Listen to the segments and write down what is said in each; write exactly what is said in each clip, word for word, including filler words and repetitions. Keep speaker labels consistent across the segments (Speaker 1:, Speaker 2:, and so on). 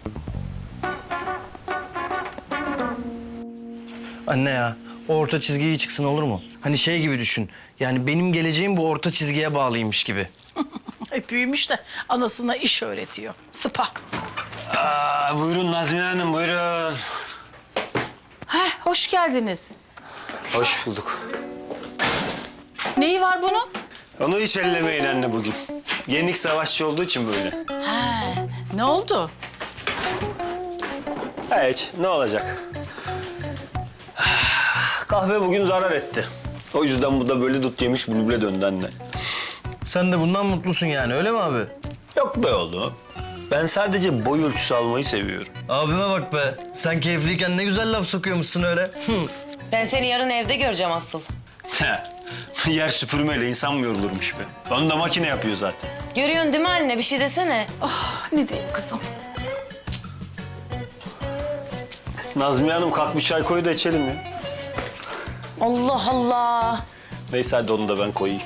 Speaker 1: Anne ya, o orta çizgi iyi çıksın olur mu? Hani şey gibi düşün. Yani benim geleceğim bu orta çizgiye bağlıymış gibi.
Speaker 2: E, büyümüş de anasına iş öğretiyor. Sıpa.
Speaker 3: Aa, buyurun Nazmiye Hanım, buyurun.
Speaker 2: Heh, hoş geldiniz.
Speaker 3: Hoş bulduk.
Speaker 2: Neyi var bunun?
Speaker 3: Onu hiç ellemeyin anne bugün. Yenik savaşçı olduğu için böyle.
Speaker 2: He, ne oldu?
Speaker 3: Hiç, ne olacak? Kahve bugün zarar etti. O yüzden bu da böyle dut yemiş bülbüle döndü anne.
Speaker 1: Sen de bundan mutlusun yani, öyle mi abi?
Speaker 3: Yok be oğlum. Ben sadece boy ölçüsü almayı seviyorum.
Speaker 1: Abime bak be. Sen keyifliyken ne güzel laf sokuyormuşsun öyle. Hı.
Speaker 4: Ben seni yarın evde göreceğim asıl.
Speaker 3: Yer süpürmeyle insan mı yorulurmuş be? Onu da makine yapıyor zaten.
Speaker 4: Görüyorsun değil mi anne? Bir şey desene.
Speaker 2: Ah, ne diyeyim kızım?
Speaker 3: Nazmiye Hanım kalk bir çay koy da içelim ya.
Speaker 4: Allah Allah.
Speaker 3: Neyse hadi onu da ben koyayım.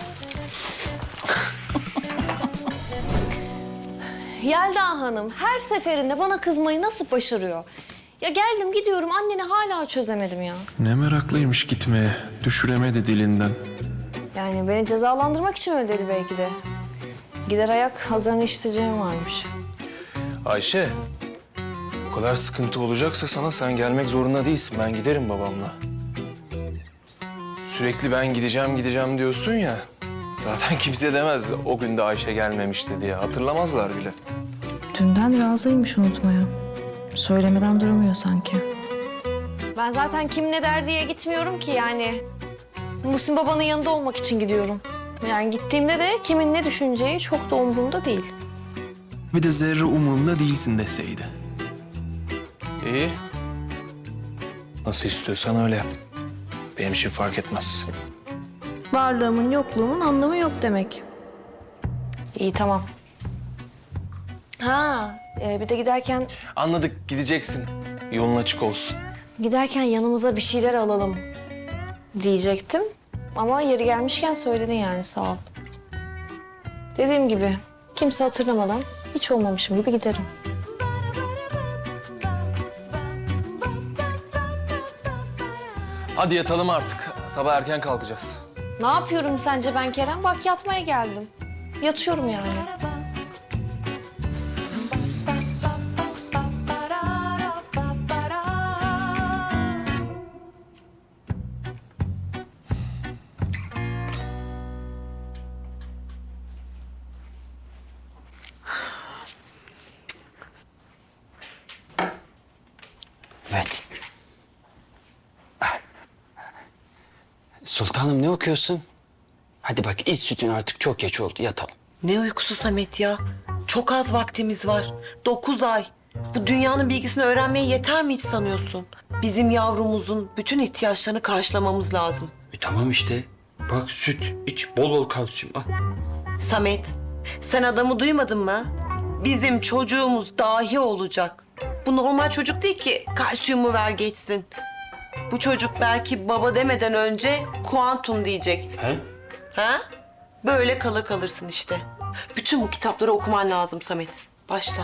Speaker 5: Yelda Hanım her seferinde bana kızmayı nasıl başarıyor? Ya geldim gidiyorum anneni hala çözemedim ya.
Speaker 6: Ne meraklıymış gitmeye. Düşüremedi dilinden.
Speaker 5: Yani beni cezalandırmak için öyle dedi belki de. Gider ayak hazırını işiteceğim varmış.
Speaker 6: Ayşe, o kadar sıkıntı olacaksa sana sen gelmek zorunda değilsin. Ben giderim babamla. Sürekli ben gideceğim gideceğim diyorsun ya. Zaten kimse demez o gün de Ayşe gelmemişti diye. Hatırlamazlar bile.
Speaker 7: Dünden razıymış unutmaya. Söylemeden duramıyor sanki.
Speaker 5: Ben zaten kim ne der diye gitmiyorum ki yani. Muhsin babanın yanında olmak için gidiyorum. Yani gittiğimde de kimin ne düşüneceği çok da umurumda değil.
Speaker 6: Bir de zerre umurumda değilsin deseydi. İyi. Nasıl istiyorsan öyle yap. Benim için fark etmez.
Speaker 5: Varlığımın yokluğumun anlamı yok demek. İyi tamam. Ha e, bir de giderken
Speaker 6: Anladık, gideceksin. Yolun açık olsun.
Speaker 5: giderken yanımıza bir şeyler alalım diyecektim. Ama yeri gelmişken söyledin yani sağ ol. Dediğim gibi kimse hatırlamadan hiç olmamışım gibi giderim.
Speaker 6: Hadi yatalım artık. Sabah erken kalkacağız.
Speaker 5: Ne yapıyorum sence ben Kerem? Bak yatmaya geldim. Yatıyorum yani.
Speaker 8: Evet. Sultanım ne okuyorsun? Hadi bak iç sütün artık çok geç oldu yatalım.
Speaker 4: Ne uykusu Samet ya? Çok az vaktimiz var. Dokuz ay. Bu dünyanın bilgisini öğrenmeye yeter mi hiç sanıyorsun? Bizim yavrumuzun bütün ihtiyaçlarını karşılamamız lazım.
Speaker 8: E tamam işte. Bak süt iç bol bol kalsiyum al.
Speaker 4: Samet, sen adamı duymadın mı? Bizim çocuğumuz dahi olacak. Bu normal çocuk değil ki kalsiyumu ver geçsin. Bu çocuk belki baba demeden önce kuantum diyecek.
Speaker 8: He?
Speaker 4: Ha? Böyle kala kalırsın işte. Bütün bu kitapları okuman lazım Samet. Başla.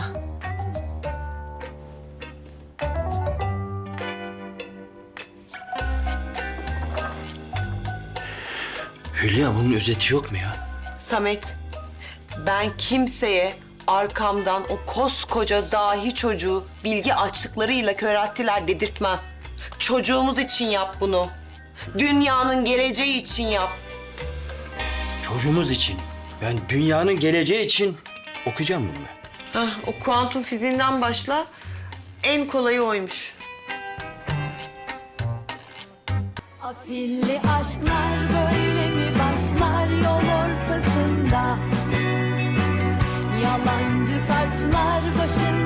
Speaker 8: Hülya bunun özeti yok mu ya?
Speaker 4: Samet, ben kimseye arkamdan o koskoca dahi çocuğu bilgi açlıklarıyla körelttiler dedirtmem. Çocuğumuz için yap bunu. Dünyanın geleceği için yap.
Speaker 8: Çocuğumuz için. Ben dünyanın geleceği için okuyacağım bunu ben.
Speaker 4: Hah, o kuantum fiziğinden başla. En kolayı oymuş.
Speaker 9: Afilli aşklar böyle mi başlar yol ortasında? Yalancı taçlar başında.